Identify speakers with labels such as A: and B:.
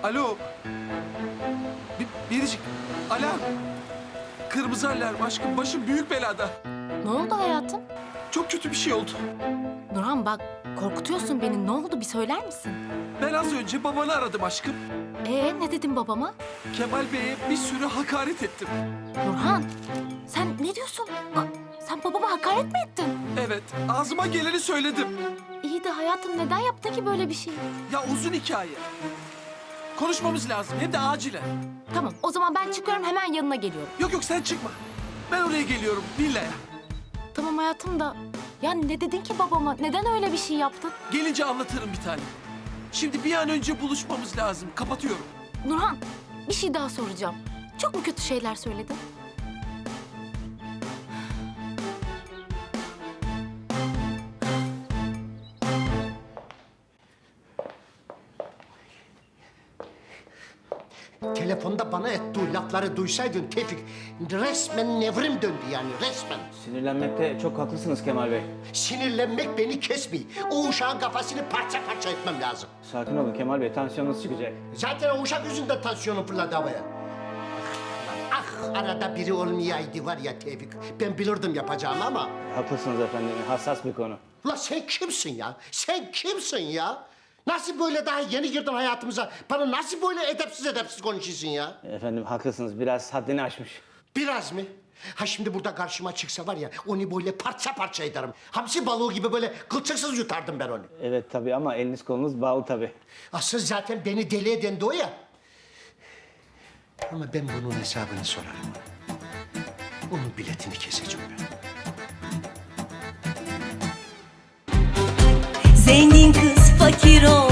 A: Alo. Biricik. Alarm. Kırmızı alarm aşkım. Başım büyük belada.
B: Ne oldu hayatım?
A: Çok kötü bir şey oldu.
B: Nurhan bak korkutuyorsun beni. Ne oldu bir söyler misin?
A: Ben az önce babanı aradım aşkım.
B: Ne dedin babama?
A: Kemal Bey'e bir sürü hakaret ettim.
B: Nurhan sen ne diyorsun? Sen babama hakaret mi ettin?
A: Evet, ağzıma geleni söyledim.
B: İyi de hayatım neden yaptın ki böyle bir şey?
A: Ya uzun hikaye. Konuşmamız lazım, hem de acilen.
B: Tamam o zaman ben çıkıyorum hemen yanına geliyorum.
A: Yok sen çıkma. Ben oraya geliyorum, villaya.
B: Tamam hayatım da ya ne dedin ki babama? Neden öyle bir şey yaptın?
A: Gelince anlatırım bir tane. Şimdi bir an önce buluşmamız lazım. Kapatıyorum.
B: Nurhan bir şey daha soracağım. Çok mu kötü şeyler söyledin?
C: Telefonda bana ettiği lafları duysaydın Tevfik, resmen nevrim döndü yani, resmen.
D: Sinirlenmekte çok haklısınız Kemal Bey.
C: Sinirlenmek beni kesmiyor. O uşağın kafasını parça parça etmem lazım.
D: Sakin olun Kemal Bey, tansiyonunuz çıkacak.
C: Zaten o uşak yüzünden tansiyonum fırladı havaya. Ah, arada biri olmayaydı var ya Tevfik. Ben bilirdim yapacağımı ama.
D: Haklısınız efendim, hassas bir konu.
C: Ulan sen kimsin ya? Sen kimsin ya? Nasıl böyle daha yeni girdin hayatımıza? Bana nasıl böyle edepsiz konuşuyorsun ya?
D: Efendim haklısınız, biraz haddini aşmış.
C: Biraz mı? Ha şimdi burada karşıma çıksa var ya, onu böyle parça parça ederim. Hamsi balığı gibi böyle kılçıksız yutardım ben onu.
D: Evet tabii ama eliniz kolunuz bağlı tabii.
C: Asıl zaten beni deli eden de o ya. Ama ben bunun hesabını sorarım ona. Onun biletini keseceğim ben.
E: Zengin kız fakir ol